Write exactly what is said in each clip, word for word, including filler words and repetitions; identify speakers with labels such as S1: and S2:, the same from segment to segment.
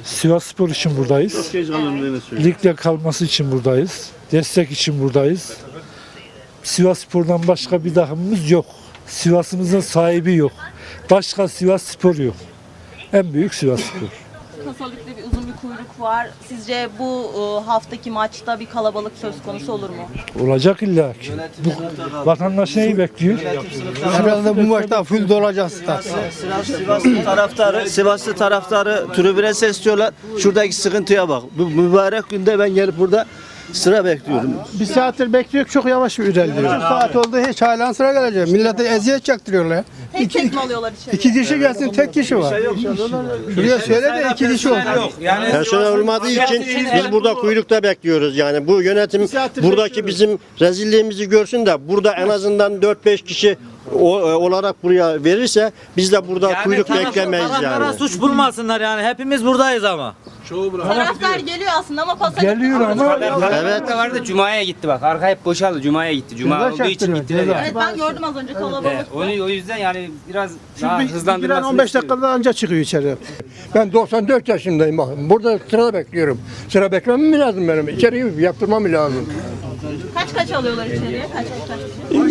S1: Sivasspor için buradayız. Ligde kalması için buradayız. Destek için buradayız. Sivasspor'dan başka bir takımımız yok. Sivas'ımızın sahibi yok. Başka Sivasspor yok. En büyük Sivasspor.
S2: Kasalıkta bir uzun bir kuyruk var. Sizce bu e, haftaki maçta bir kalabalık söz konusu olur mu?
S1: Olacak illa ki. Bu vatandaş neyi bekliyor?
S3: Herhalde bu maçta full dolacak stat.
S4: Sivaslı taraftarı, Sivaslı taraftarı tribüne sesliyorlar. Şuradaki sıkıntıya bak. Bu mübarek günde ben gelip burada sıra bekliyorum.
S3: Bir saattir bekliyor, çok yavaş ilerliyor. Bir saat oldu, hiç halen sıra gelecek. Millete eziyet çaktırıyorlar ya.
S2: Tek tek mi alıyorlar içeri?
S3: İki kişi gelsin, tek kişi var. Şuraya söyle de iki kişi olsun.
S5: Personel olmadığı için biz burada kuyrukta bekliyoruz. Yani bu yönetim buradaki bizim rezilliğimizi görsün de burada en azından dört beş kişi o- olarak buraya verirse biz de burada kuyruk beklemeyiz
S6: Taraflara
S5: yani.
S6: suç bulmasınlar yani. Hepimiz buradayız ama.
S2: Taraftar geliyor aslında ama pasalık.
S1: Geliyor ama
S5: Evet.
S7: vardı Cuma'ya gitti bak. Arka hep boşaldı. Cuma'ya gitti. Cuma
S3: Ceza
S7: olduğu için
S3: çaktırıyor,
S7: gittiler.
S3: ceza.
S7: Yani.
S2: Evet ben gördüm az önce kalabalık.
S7: Evet, onu, o yüzden yani biraz daha
S3: Çünkü
S7: hızlandırmasını
S3: on beş
S7: istiyorum.
S3: dakikada anca çıkıyor içeri.
S8: Ben doksan dört yaşındayım. Bakın. Burada sıra bekliyorum. Sıra beklemem mi lazım benim? İçeriği yaptırmam lazım.
S2: Kaç kaç alıyorlar içeriye? Kaç kaç kaç?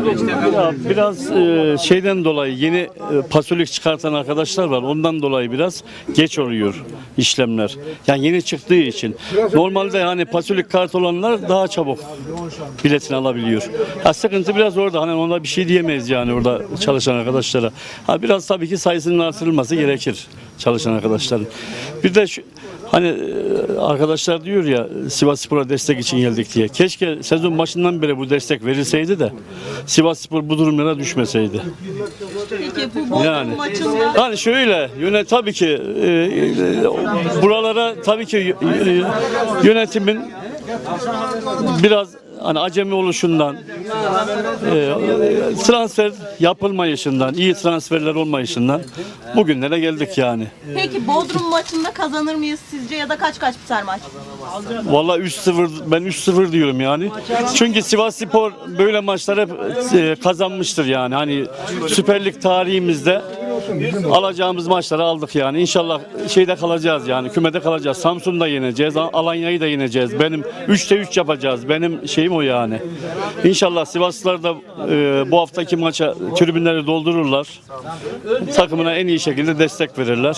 S9: Ya biraz e, şeyden dolayı yeni e, pasolik çıkartan arkadaşlar var. Ondan dolayı biraz geç oluyor işlemler. Yani yeni çıktığı için. Normalde hani pasolik kart olanlar daha çabuk biletini alabiliyor. Ha, sıkıntı biraz orada. Hani ona bir şey diyemeyiz yani orada çalışan arkadaşlara. Ha, biraz tabii ki sayısının artırılması gerekir çalışan arkadaşların. Bir de şu, hani e, arkadaşlar diyor ya Sivasspor'a destek için geldik diye. Keşke sezon başından beri bu destek verilseydi de Sivasspor bu durumlara düşmeseydi.
S2: Peki bu Bodrum
S9: Yani
S2: maçında
S9: hani şöyle yönet tabii ki e, e, buralara tabii ki y- y- yönetimin biraz hani acemi oluşundan e, transfer yapılmayışından, iyi transferler olmayışından bugünlere geldik yani.
S2: peki Bodrum maçında kazanır mıyız sizce ya da kaç kaç biter maç?
S9: Vallahi üç sıfır ben üç sıfır diyorum yani. Çünkü Sivasspor böyle maçlar hep e, kazanmıştır yani. Hani Süper Lig tarihimizde alacağımız maçları aldık yani. İnşallah şeyde kalacağız yani. Kümede kalacağız. Samsun'da yeneceğiz. Alanya'yı da yeneceğiz. Benim üçte üç yapacağız. Benim şeyim o yani. İnşallah Sivaslılar da e, bu haftaki maça tribünleri doldururlar. Takımına en iyi şekilde destek verirler.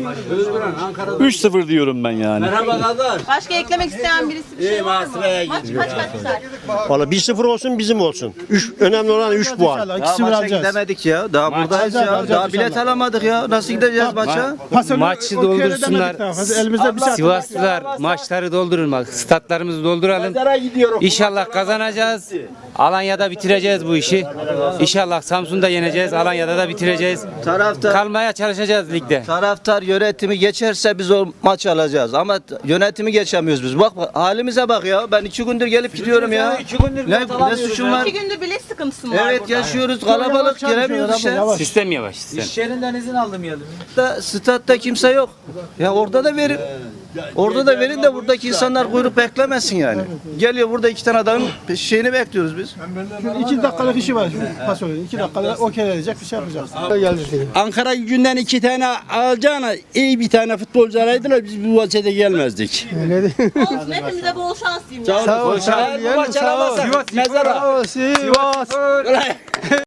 S9: üç sıfır diyorum ben yani.
S2: Başka eklemek isteyen birisi bir şey var mı? Maç kaç kaç biter?
S5: Valla bir sıfır olsun bizim olsun. Üç, önemli olan üç puan.
S3: İnşallah
S4: Daha
S3: ikisini
S4: maça
S3: alacağız.
S4: gidemedik ya. Daha buradayız ya.
S3: alacağız
S4: Daha bilet
S3: inşallah.
S4: alamadık ya. Nasıl gideceğiz maça?
S3: Pasını
S7: Maçı
S3: o kere
S7: doldursunlar.
S3: demedik daha fazla. Elimizde bir saat.
S7: Sivaslılar maçları doldurun bak. Statlarımızı dolduralım. İnşallah kazanacağız. Alanya'da bitireceğiz bu işi. İnşallah Samsun'da yeneceğiz. Alanya'da da bitireceğiz.
S4: Taraftar
S7: Kalmaya çalışacağız ligde.
S4: Taraftar yönetimi geçerse biz o maçı alacağız. Ama t- yönetimi geçemiyoruz biz. Bak bak, halimize bak ya. Ben iki gündür gelip gidiyorum ya. Ne, ne suçum var?
S2: İki gündür bilet sıkıntısı mı var
S4: Evet
S2: burada?
S4: yaşıyoruz. Kalabalık giremiyoruz işe.
S7: Sistem yavaş sistem.
S6: İş yerinden izin almayalım.
S4: Statta, statta kimse yok. Ya orada da verin. Orada da verin de buradaki insanlar kuyruk beklemesin yani. Geliyor burada iki tane adamın şeyini bekliyoruz biz.
S3: İki dakikalık işi var. Pas oluyor. İki dakikada okey edecek bir şey yapacağız. Geldi.
S10: Ankara Gücü'nden iki tane alacağına iyi bir tane futbolcu araydılar biz bu vaziyete gelmezdik.
S2: Olsun hepimize bol şans diyeyim. ya.
S3: Sağ ol. Sağ ol.
S10: Sağ ol.
S3: Sağ ol.
S10: Mezara.
S3: Sivas.